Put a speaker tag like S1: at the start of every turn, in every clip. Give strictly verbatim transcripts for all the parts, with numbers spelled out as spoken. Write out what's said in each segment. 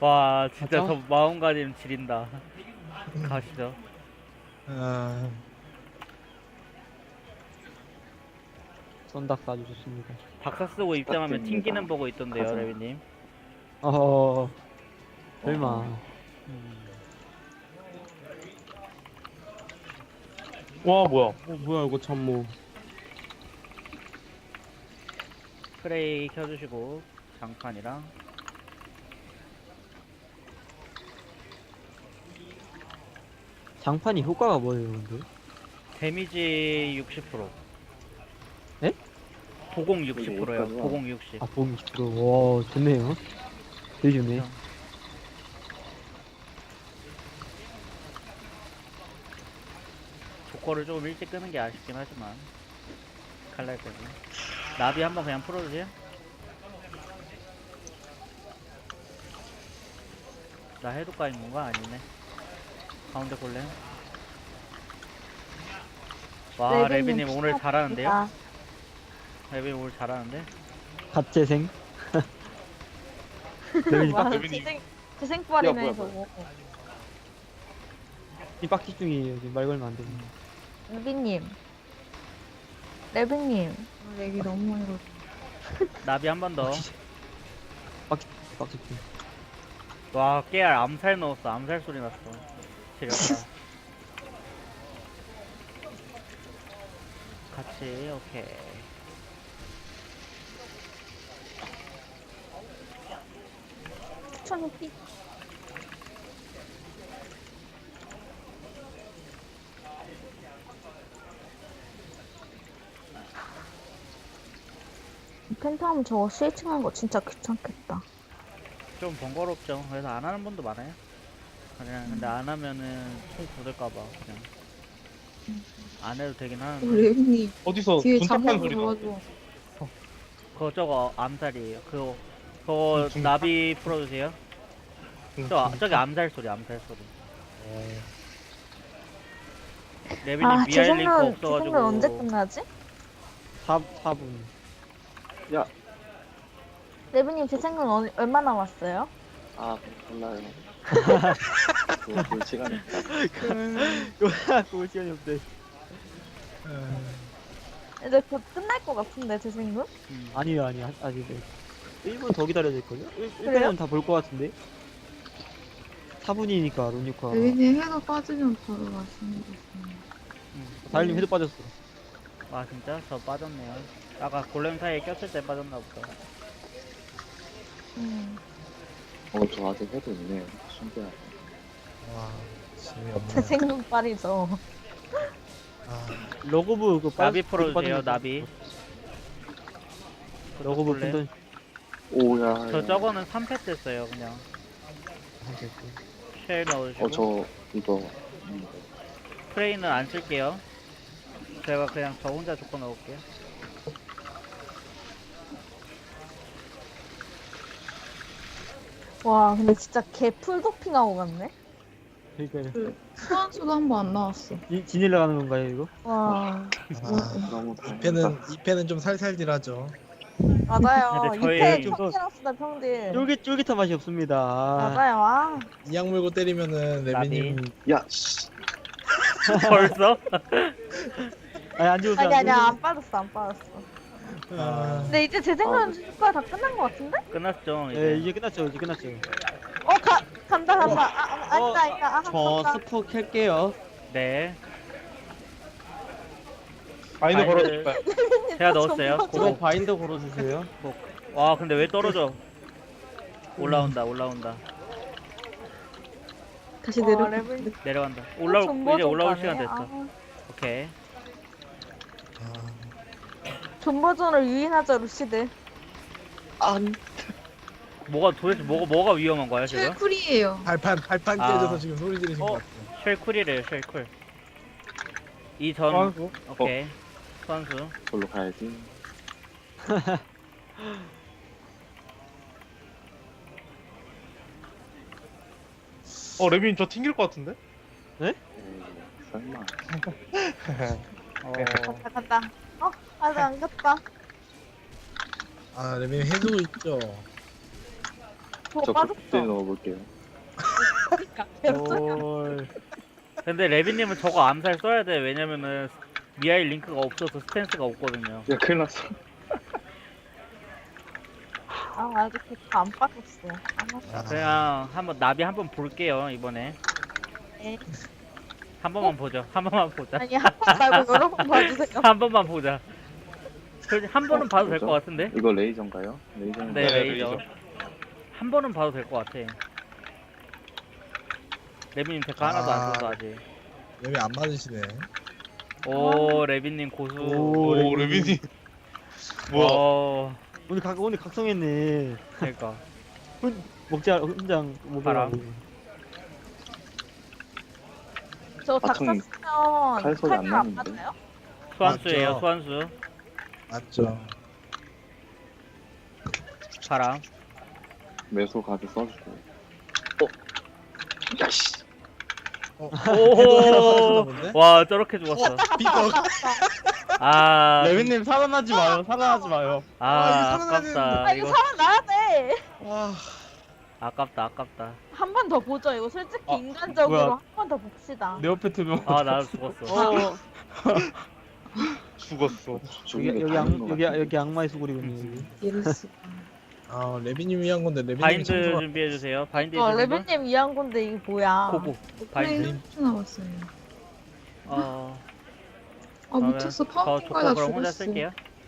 S1: 와 진짜
S2: 가자.
S1: 저 마음가짐 지린다. 가시죠.
S3: 아,
S2: 썬닥 아주 좋습니다.
S1: 박사 쓰고 입장하면
S4: 부탁드립니다.
S1: 튕기는 보고 있던데요,
S4: 가자.
S1: 레비님.
S2: 어, 설마.
S1: 음.
S3: 와 뭐야?
S2: 어, 뭐야, 이거 참 뭐.
S1: 프레이 켜주시고 장판이랑
S2: 장판이 효과가 뭐예요, 근데?
S1: 데미지 육십 퍼센트.
S2: 에?
S1: 보공 육십 퍼센트요.
S4: 여기까지만.
S1: 보공 육십.
S2: 아, 보험 이십 퍼센트. 와, 좋네요. 되게 좋네.
S1: 그냥. 조커를 조금 일찍 끄는 게 아쉽긴 하지만 칼날까지. 나비 한번 그냥 풀어주세요. 나 해독가 있는 건가? 아니네. 가운데 골렘. 와 레비님 오늘 잘하는데요? 레비님 오늘 잘하는데?
S2: 갓재생. 레벨이
S5: 와,
S2: 빡,
S5: 재생, 재생빨이네
S4: 뭐야,
S5: 저거.
S2: 이 빡기 중이에요. 지금 말 걸면 안 되네.
S5: 레비님. 레비님. 아, 렉이 너무 많이 걸려.
S1: 나비 한 번 더.
S2: 빡기, 빡기 중.
S1: 와 깨알 암살 넣었어. 암살 소리 났어. 지렸다. 같이 오케이.
S5: 추천 후기. 펜타움 저거 스위칭한 거 진짜 귀찮겠다.
S1: 좀 번거롭죠. 그래서 안 하는 분도 많아요. 그냥 근데 안 하면은 총 굳을까봐 그냥 안 해도 되긴 하는데.
S6: 레빈이
S3: 어디서
S6: 뒤에
S3: 분탁한
S6: 잠깐
S3: 소리가?
S6: 들어가지고
S1: 그거 저거 암살이에요. 그거 그거
S3: 중-
S1: 나비 풀어주세요.
S3: 음,
S1: 저
S3: 중-
S1: 저기 암살 소리 암살 소리.
S3: 어,
S1: 레빈이
S5: 아,
S1: 미알 링크
S5: 재생은,
S1: 없어가지고.
S5: 재생은 언제 끝나지?
S2: 사, 사 분.
S4: 야,
S5: 레비님 재생은 어, 얼마 남았어요?
S4: 아, 몰라요. 그, 그 시간이.
S2: 그거 시간이 없대.
S5: 이제 곧 끝날 것 같은데 재생은?
S1: 음.
S2: 아니요, 아니요. 아직 일 분 더 기다려야 될걸요? 일
S5: 그래요?
S2: 분은 다 볼 것 같은데? 사 분이니까, 론유카.
S6: 레빈이 해도 빠지면 바로 맛있는 거 있어요.
S1: 음.
S2: 다일님 해도 빠졌어.
S1: 아 진짜 저 빠졌네요. 아까 골렘 사이에 꼈을 때 빠졌나 보다.
S5: 음.
S4: 어, 저 아직 해도 있네요. 신기하네.
S3: 와 재미없네.
S5: 재생은 빨이죠.
S3: 아,
S2: 러고브 그 빠-
S1: 나비
S2: 그거
S1: 풀어주세요.
S2: 빠진 거
S1: 나비.
S2: 러고브
S1: 골렘.
S2: 펜던.
S4: 오야.
S1: 저
S4: 야.
S1: 저거는 삼 패 됐어요. 그냥 쉘 넣어주시고.
S4: 어, 저 이거. 음,
S1: 프레이는 안 쓸게요. 제가 그냥 저 혼자 조건 넣을게요.
S5: 와 근데 진짜 개 풀도핑하고 갔네.
S2: 그러니까요.
S6: 그 소환수도 한 번 안 나왔어.
S2: 지- 지닐러 가는 건가요, 이거?
S5: 와
S3: 아,
S4: 너무
S3: 이 패는
S4: 다행이다.
S3: 이 패는 좀 살살질하죠.
S5: 맞아요.
S1: 근데 저희-
S5: 이패
S2: 좀 더-
S5: 평기랑쓰다 평딜.
S2: 쫄깃, 쫄깃한 맛이 없습니다.
S5: 맞아요. 아
S3: 이악 물고 때리면은 레비님
S4: 야, 씨.
S1: 벌써?
S2: 아니, 안 죽었어.
S5: 아니 아니야 안 빠졌어 안 빠졌어.
S3: 아,
S5: 근데 이제 재생은 효과 다 끝난 것 같은데?
S1: 끝났죠. 이제.
S2: 예, 이제 끝났죠, 이제 끝났죠.
S5: 어 가, 간다 간다. 아, 아 아니다 아니다. 아
S2: 저
S5: 간다.
S2: 스포 켤게요.
S1: 네.
S3: 바인드
S1: 바인드-
S3: 걸어줄까요?
S1: 제가 넣었어요.
S5: 좀
S1: 고고.
S2: 바인더 걸어주세요.
S1: 와 근데 왜 떨어져? 올라온다 올라온다
S6: 다시
S5: 와,
S6: 내려.
S5: 레벨-
S1: 내려간다. 올라올
S5: 존버
S1: 이제 올라올
S5: 존버네.
S1: 시간 됐어.
S5: 아,
S1: 오케이.
S3: 아,
S5: 존버전을 유인하자 루시드.
S4: 안.
S1: 뭐가 도대체 뭐가 뭐가 위험한 거야 지금?
S6: 쿨이에요.
S3: 발판 발판
S1: 아.
S3: 깨져서 지금 소리 지르신
S1: 어.
S3: 것 같아요.
S1: 쉘쿨이래요 쉘쿨. 이전
S3: 아이고.
S1: 오케이. 선수.
S4: 걸로 가야지.
S3: 어 레비님 저 튕길 것 같은데?
S4: 에이, 설마.
S1: 어,
S5: 간다 간다. 어 아직 안 갔다.
S3: 아 레비님 해주고 있죠.
S5: 저거
S4: 저
S5: 빠졌어.
S4: 극딜 넣어볼게요.
S1: 올. 근데 레비님은 저거 암살 써야 돼. 왜냐면은 미아일 링크가 없어서 스탠스가 없거든요.
S4: 야 큰일 났어.
S5: 아 아직 데카 안 빠졌어. 안 왔어.
S1: 그냥 한번 나비 한번 볼게요 이번에.
S5: 네.
S1: 한 번만 보죠. 한 번만 보자.
S5: 아니 한 번 말고 여러 번 봐주세요.
S1: 한 번만 보자. 솔직히 한 번은
S4: 어,
S1: 봐도 될
S4: 뭐죠?
S1: 것 같은데?
S4: 이거 레이저인가요? 레이저.
S1: 네,
S3: 네,
S1: 레이저.
S3: 레이저.
S1: 한 번은 봐도 될 것 같아. 레비님 데카 하나도
S7: 아.
S1: 안 써서 아직.
S7: 맵이 안 맞으시네.
S1: 오, 레비님 고수.
S2: 오,
S3: 오
S2: 레빈.
S3: 레빈이. 뭐야?
S1: 어,
S2: 오늘 각 오늘 각성했네.
S1: 그러니까.
S2: 먹자 혼장
S1: 봐라.
S2: 먹으라고.
S5: 저
S4: 아,
S5: 닥터
S4: 좀
S5: 쓰면
S4: 칼 소리 안
S5: 칼날 안
S4: 나는데?
S5: 맞나요?
S1: 소환수예요,
S7: 맞죠.
S1: 소환수.
S7: 맞죠.
S1: 바람.
S4: 매소 가드 써주고. 어. 야씨.
S7: 어,
S1: 오,
S7: 본데?
S1: 와, 저렇게 죽었어.
S7: 삐걱.
S1: 아,
S2: 레빈님 살아나지 마요. 살아나지 마요.
S1: 아,
S7: 아, 이거 살아나야
S1: 아깝다.
S5: 아 이거
S1: 이거
S5: 살아나야 돼.
S7: 아,
S1: 아깝다, 아깝다.
S5: 한 번 더 보죠. 이거 솔직히
S2: 아,
S5: 인간적으로
S2: 뭐야.
S5: 한 번 더 봅시다.
S2: 내 옆에 두명
S1: 아, 나도 죽었어.
S2: 어,
S3: 죽었어.
S2: 여기
S4: 죽은 게
S2: 여기
S4: 다른
S2: 악
S4: 것
S2: 여기
S4: 같은데.
S2: 여기 악마의 수고리군요. 여기.
S6: 이럴수가.
S7: 아 레비님이 한 건데 레비님이
S1: 바인드
S7: 참소가-
S1: 준비해 주세요. 바인드
S5: 어
S1: 준비.
S5: 레벨님 이한 건데 이게 뭐야?
S1: 고고.
S6: 플레이
S1: 바인드.
S6: 삼 초 남았어요.
S1: 어.
S6: 아 미쳤어.
S1: 저
S6: 파운틴
S1: 조커
S6: 가다
S1: 그럼 혼자
S6: 죽었어.
S1: 쓸게요.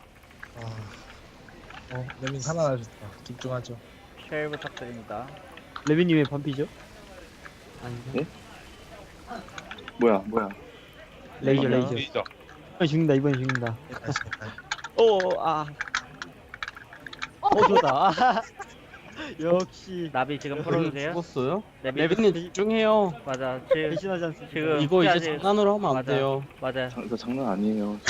S7: 아, 어 레빈 살아나셨다. 집중하죠.
S1: 쉘 부탁드립니다.
S2: 레빈님의 반피죠? 아닌데.
S4: 예? 뭐야 뭐야.
S2: 레이저
S1: 레이저.
S2: 레이저.
S3: 레이저.
S2: 이번 죽는다 이번 죽는다.
S7: 다시, 다시.
S2: 오 아. 어 좋다. 역시.
S1: 나비 지금 풀어주세요.
S8: 죽었어요?
S1: 레비.
S8: 레빈님 집중해요.
S1: 맞아. 지금
S2: 배신하지 않습니다.
S1: 지금
S8: 이거 이제
S1: 끝까지-
S8: 장난으로 하면 안
S1: 맞아.
S8: 돼요.
S1: 맞아요.
S4: 장, 이거 장난 아니에요.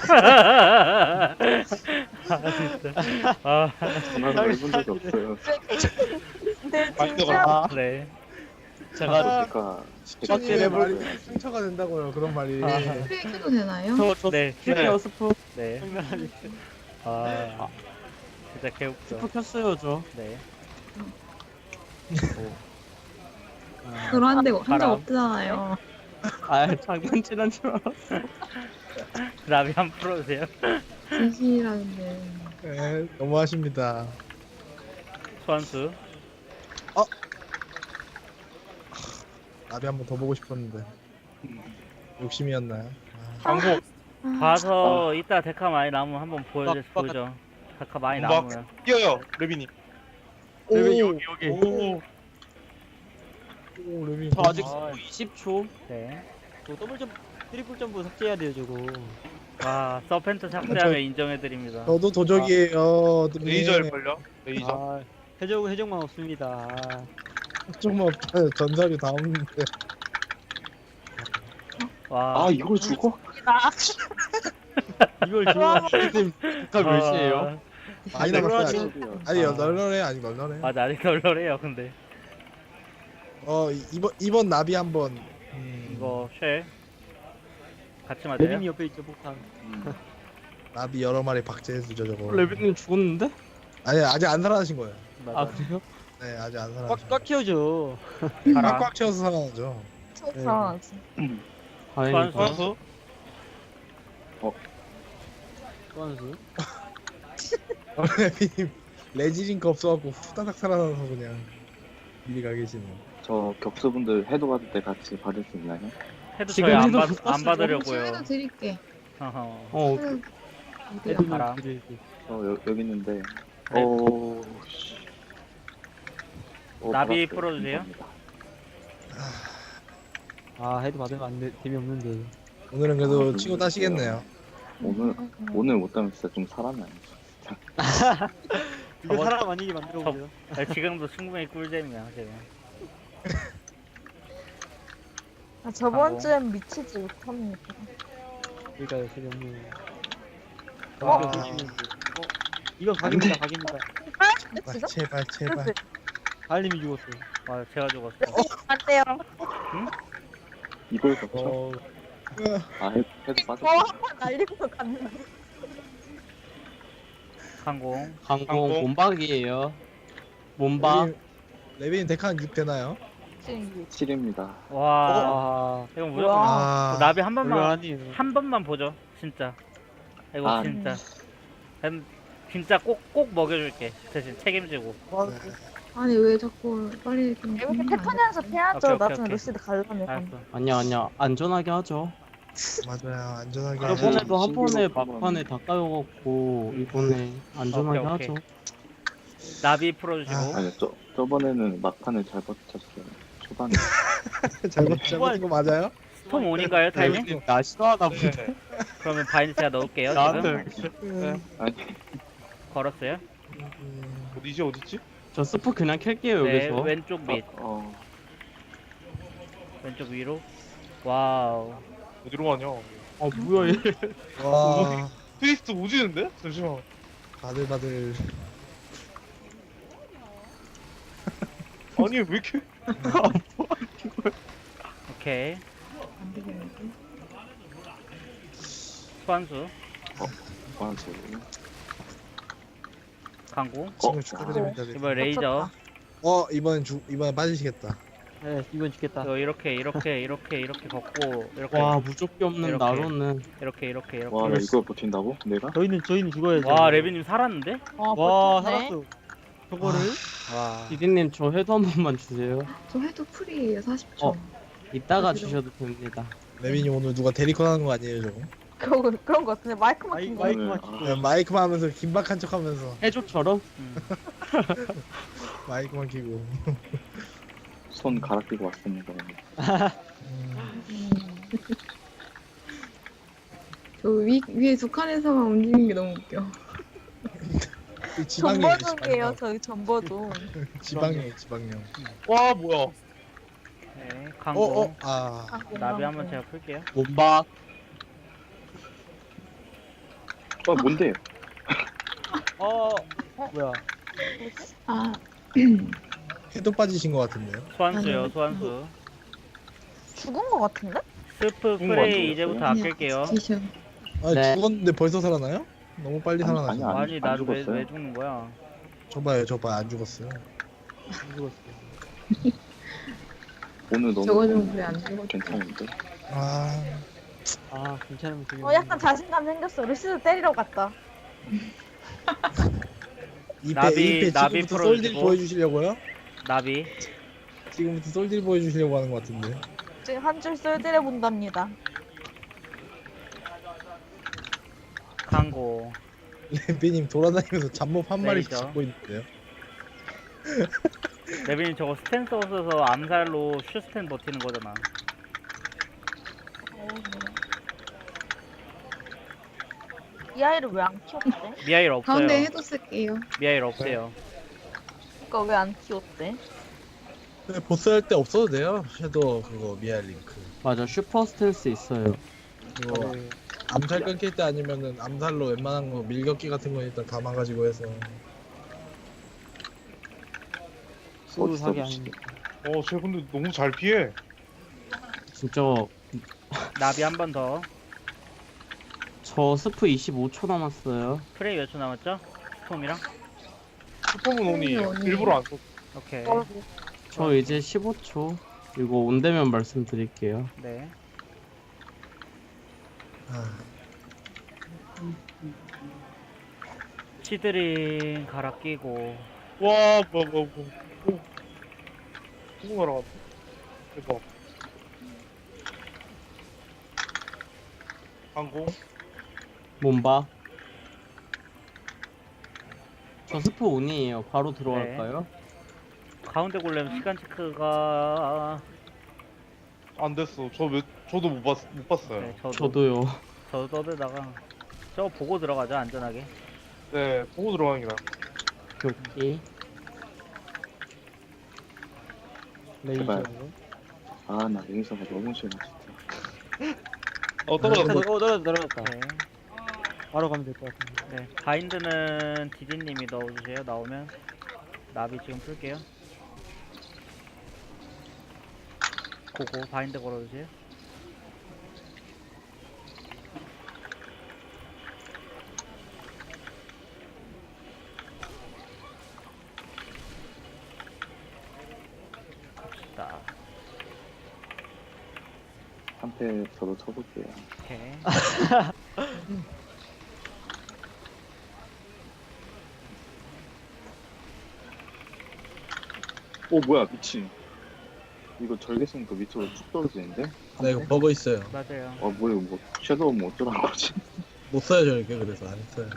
S1: 아,
S4: 장난을 해본 적이 없어요.
S5: 근데
S3: 바인드가
S5: 진짜
S2: 아,
S1: 네.
S2: 제가
S4: 그러니까
S7: 시청님의 말이 상처가 된다고요. 그런 말이.
S6: 플레이해도 되나요?
S2: 저저
S1: 네.
S8: 킬게요 스프.
S1: 네. 아, 진짜 개웃겨.
S8: 스프 켰어요 저.
S1: 네.
S6: 그런데 한
S1: 바람.
S6: 적 없잖아요.
S8: 아 장난치는 줄 알았어.
S1: 나비 한 번 풀어주세요.
S6: 진실이라는데.
S7: 네, 너무하십니다.
S1: 소환수.
S7: 나비 한 번 더 보고 싶었는데 욕심이었나요?
S3: 광고.
S1: 봐서 이따 데카 많이 남으면 한번 보여줘,
S2: 빡, 빡.
S1: 보여줘. 데카 많이
S3: 막
S1: 남으면.
S3: 뛰어요 레빈이.
S2: 레빈 여기 여기.
S3: 오.
S7: 오 레빈.
S8: 저 아직
S2: 아.
S8: 이십 초.
S1: 네.
S2: 저 더블 점프 트리플 점프 삭제해야 돼요 저거.
S1: 와, 서펜트 삭제하면 인정해드립니다.
S7: 저도 도적이에요. 네.
S3: 레이저일 걸요. 레이저.
S2: 아 해적 해적만 없습니다. 아,
S7: 조금만 없다. 전설이 다 없는데.
S1: 와.
S4: 아 이걸 죽어?
S5: 나
S2: 이걸 좋아.
S8: 지금 가 몇 시에요?
S1: 아,
S7: 많이
S2: 네,
S7: 남았어요.
S2: 그러지.
S7: 아니
S1: 아.
S7: 널널해 아니 널널해.
S1: 맞아, 아직 널널해요, 근데.
S7: 어 이- 이번 이번 나비 한번. 음,
S1: 이거 쉘. 같이 맞아요?
S2: 레빈이 옆에 있죠 폭탄.
S4: 음.
S7: 나비 여러 마리 박제해주죠 저거.
S8: 레빈님 죽었는데?
S7: 아니 아직 안 살아나신 거예요.
S1: 맞아.
S8: 아 그래요?
S7: 네 아직 안 살아나신
S2: 꽉꽉 키워줘.
S1: 바람.
S7: 꽉꽉 채워서 살아나죠.
S5: 살아나지.
S8: 다행이다.
S1: 소환수.
S3: 소환수.
S2: 소환수.
S7: 레비님 레지링크 없어갖고 후다닥 살아나서 그냥 미리 가 계시네.
S4: 저 격수분들 해도 받을 때 같이 받을 수 있나요?
S1: 해도
S8: 지금
S1: 저희 안,
S8: 해도
S1: 받,
S8: 못
S1: 안
S8: 봤어요.
S1: 받으려고요.
S6: 해도 드릴게.
S1: 어허.
S8: 어
S6: 해도
S2: 애들
S6: 드릴게요.
S1: 바람.
S2: 드릴게.
S4: 저 여, 여기 있는데.
S1: 네.
S4: 오. 씨. 오,
S1: 나비
S4: 받았어요.
S1: 풀어주세요.
S4: 감사합니다.
S2: 아 해도 받으면 안 돼. 재미없는데.
S7: 오늘은 그래도 치고 따시겠네요.
S4: 오늘 오늘 못 따면 진짜 좀 살았나요?
S2: 이거
S1: 저번-
S2: 사람 아니게 만들어 보세요.
S1: 아, 지금도 충분히 꿀잼이야, 지금.
S5: 아, 저번
S1: 하고.
S5: 주엔 미치지 못합니다.
S2: 그러니까요 재미없는.
S7: 아.
S2: 어? 이거 각입니다 각입니다.
S7: 제발
S5: 진짜?
S7: 제발 제발.
S2: 달님이 죽었어요.
S1: 와, 제가 죽었어.
S5: 안 돼요.
S4: 이걸 거쳐?
S2: 어
S4: 아 해, 해도
S5: 저
S4: 빠졌어.
S5: 한 번 날리고 갔는데.
S1: 항공.
S8: 항공
S3: 항공.
S8: 몸박이에요. 몸박.
S7: 레빈, 레빈 데카는 육 되나요?
S5: 지금
S4: 칠입니다.
S1: 와,
S8: 아,
S1: 이건 무조건
S7: 아,
S1: 나비 한 번만
S8: 훌륭하니.
S1: 한 번만 보죠, 진짜. 이거
S4: 아,
S1: 진짜. 음, 진짜 꼭 꼭 먹여줄게. 대신 책임지고.
S6: 아니 왜 자꾸 빨리 좀
S5: 이렇게
S6: 끝내면 안
S5: 패턴 연습해야죠.
S1: 오케이, 오케이,
S5: 나중에
S1: 오케이.
S5: 루시드 가려면.
S1: 알았어.
S8: 아니야 아니야 안전하게 하죠.
S7: 맞아요. 안전하게.
S4: 아,
S8: 저번에도 한
S4: 신기록
S8: 번에
S4: 한번.
S8: 막판에 다 까여갖고 이번에 안전하게
S1: 오케이, 오케이.
S8: 하죠.
S1: 나비 풀어주시고.
S7: 아.
S4: 아니, 저, 저번에는 막판에 잘 버텼어요. 초반에.
S7: 잘못 잘못인 거 맞아요?
S1: 스톰 온인가요, 타이밍?
S8: 레빈님 나 싫어하나 보네.
S3: 네.
S1: 그러면 바인드 제가 넣을게요.
S8: 나한테
S1: 지금
S7: 음,
S4: 아니,
S1: 걸었어요.
S7: 음,
S3: 어디지 어디지?
S8: 저 스프 그냥 캘게요
S1: 네,
S8: 여기서.
S1: 왼쪽 밑,
S4: 어,
S1: 왼쪽 위로. 와우.
S3: 어디로 가냐?
S8: 아 뭐야 얘.
S7: 와
S3: 트위스트 오지는데? 잠시만.
S7: 바들바들.
S3: 아니 왜 이렇게?
S1: 오케이.
S6: 안 되겠는데.
S1: 수환수,
S4: 보안소.
S1: 강공.
S7: 지금
S4: 어,
S7: 축하드립니다.
S1: 이번 레이저.
S7: 어 이번 주 이번 빠지시겠다.
S2: 네, 이번 죽겠다.
S1: 이거 이렇게 이렇게 이렇게 이렇게 걷고 이렇게
S8: 와 무조건 없는
S1: 이렇게.
S8: 나로는.
S1: 이렇게 이렇게 이렇게.
S4: 와, 나 이걸 버틴다고? 내가?
S2: 저희는 저희는 죽어야죠.
S1: 와, 레비님 살았는데?
S5: 와,
S2: 와,
S5: 버텼네.
S2: 살았어. 저거를
S1: 와.
S8: 디디님 저 회도 한 번만 주세요.
S6: 저 해도 풀이에요 사십 초.
S8: 어. 이따가
S6: 아,
S8: 주셔도 됩니다.
S7: 레빈이 오늘 누가 데리컨 하는 거 아니에요 저거?
S5: 그런 그런 거 같은데 마이크만
S2: 마이,
S5: 킨 거.
S2: 마이크만
S4: 오늘,
S2: 키고.
S7: 그냥 마이크만 하면서 긴박한 척하면서
S8: 해조처럼?
S1: 음.
S7: 마이크만 키고.
S4: 손 갈아 끼고 왔습니다.
S7: 음,
S6: 음. 저 위, 위에 두 칸에서만 움직이는 게 너무 웃겨.
S7: 그 지방령.
S5: 전버둥이에요. 저희 전버둥.
S7: 지방령 지방령.
S3: 와 뭐야?
S1: 네, 강공.
S7: 어어 아.
S1: 나비 한번 제가 풀게요.
S8: 몸박.
S4: 어, 뭔데?
S2: 어, 뭐야?
S6: 아
S7: 해도 빠지신 것 같은데요?
S1: 소환수요,
S6: 아니,
S1: 소환수.
S5: 죽은 거 같은데?
S1: 스프
S4: 죽은 거
S1: 프레이
S4: 같은데?
S1: 이제부터
S6: 그냥
S1: 아낄게요.
S6: 스테이션.
S7: 아
S8: 네.
S7: 죽었는데 벌써 살아나요? 너무 빨리
S4: 아니,
S7: 살아나서.
S4: 아니, 안-
S1: 아니, 나도 왜,
S4: 죽었어요.
S1: 왜 죽는 거야?
S7: 저봐요 저봐 안 죽었어요.
S2: 안 죽었어.
S4: 오늘 너무
S6: 저거 좀 왜 안 죽었지?
S4: 괜찮은데?
S7: 아
S2: 아, 괜찮으면 되겠네.
S5: 어, 약간 자신감 생겼어. 루시드 때리러 갔다.
S7: 이패
S1: 나비-
S7: 이패
S1: 나비
S7: 지금부터 솔딜
S1: 풀어주시고.
S7: 보여주시려고요?
S1: 나비.
S7: 지금부터 솔딜 보여주시려고 하는 것 같은데.
S5: 지금 한 줄 쏠들해 본답니다.
S1: 강공.
S7: 레비님 돌아다니면서 잡몹 한 마리씩
S1: 레이저.
S7: 잡고 있는데요.
S1: 레빈이 저거 스탠스 없어서 암살로 슈스탠 버티는 거잖아.
S5: 이 아이를 왜 안 키웠대?
S1: 미아일 없어요.
S6: 가운데 해도 쓸게요.
S1: 미아일 없어요.
S5: 그니까 왜 안 키웠대?
S7: 근데 보스 할 때 없어도 돼요. 섀도우 그거 미아 링크.
S8: 맞아 슈퍼 스탠스 있어요.
S7: 그거 암살 끊길 때 아니면은 암살로 웬만한 거 밀격기 같은 거 일단 다 망가지고 해서.
S8: 소드
S4: 어디서
S8: 사기
S4: 보시게?
S8: 아닙니까?
S3: 어, 쟤 근데 너무 잘 피해.
S8: 진짜
S1: 나비 한 번 더.
S8: 저 스프 이십오 초 남았어요.
S1: 프레이 몇 초 남았죠? 스톰이랑?
S3: 슈퍼문 온이
S6: 온이.
S3: 일부러 안 썼어.
S1: 오케이.
S8: 저 이제 십오 초. 이거 온대면 말씀드릴게요.
S1: 네.
S7: 아,
S1: 치드링 갈아 끼고.
S3: 와, 뭐, 뭐, 뭐. 오. 누구 날아갔어? 대박. 항공.
S8: 몸박. 저 스프 온이에요. 바로 들어갈까요?
S1: 가운데 골렘 시간 체크가.
S3: 안 됐어. 저 몇, 저도 못 봤, 못 봤어요.
S1: 네, 저도.
S8: 저도요.
S1: 저도 떠들다가. 저거 보고 들어가죠, 안전하게.
S3: 네, 보고 들어가는 게 나아.
S8: 교기.
S2: 레이저.
S4: 제발. 아, 나 레이저가 너무 싫어, 진짜.
S3: 어,
S2: 어,
S3: 떨어졌어.
S2: 떨어졌다, 떨어졌다.
S1: 네.
S2: 바로 가면 될 것 같은데.
S1: 네. 바인드는 디디님이 넣어주세요, 나오면. 나비 지금 풀게요. 고고, 바인드 걸어주세요. 갑시다.
S4: 한 패 저도 쳐볼게요.
S1: 오케이.
S4: 오 뭐야 미친. 이거 절개 쓰니까 밑으로 쭉 떨어지는데?
S7: 나 이거 버그 있어요.
S1: 맞아요.
S4: 어 뭐야 뭐 섀도우 뭐 어쩌란 거지?
S7: 못 써요 저렇게 그래서 안 써요.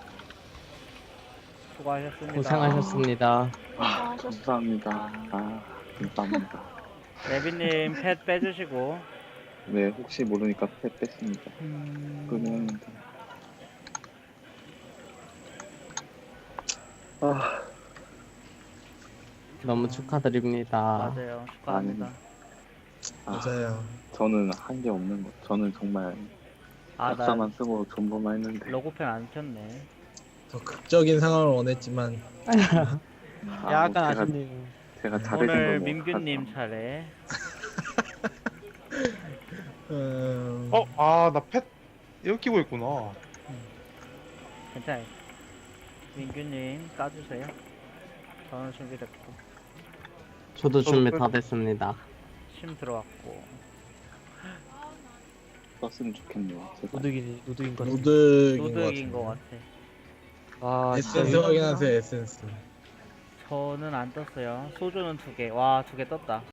S1: 수고하셨습니다.
S8: 고생하셨습니다.
S4: 아 감사합니다. 아 감사합니다.
S1: 레비님 펫 빼주시고.
S4: 네 혹시 모르니까 패 뺐습니다.
S1: 음...
S4: 그러면 아
S8: 너무 축하드립니다.
S1: 맞아요. 축하합니다.
S4: 아,
S7: 맞아요.
S4: 저는 한 게 없는 거. 저는 정말
S1: 아, 나
S4: 약사만 쓰고 존버만 했는데.
S1: 로고펜 안 켰네.
S7: 더 극적인 상황을 원했지만
S4: 아,
S2: 약간
S4: 뭐 제가,
S2: 아쉽네요.
S4: 제가 잘해준
S1: 오늘
S4: 거
S1: 민규님 차례.
S7: 음...
S3: 어? 아 나 펫 이거 끼고 있구나.
S1: 괜찮아요. 민규님 까주세요. 저는 준비됐고.
S8: 저도 준비 다 됐습니다.
S1: 심 들어왔고.
S4: 썼으면 좋겠네요. 제발.
S2: 노득이니 노득인 것 같아.
S7: 노득인 것
S1: 노득인 것
S7: 같은데.
S1: 같아.
S2: 아 진짜
S7: 에센스 확인하세요 에센스.
S1: 저는 안 떴어요. 소주는 두 개. 와, 두 개 떴다.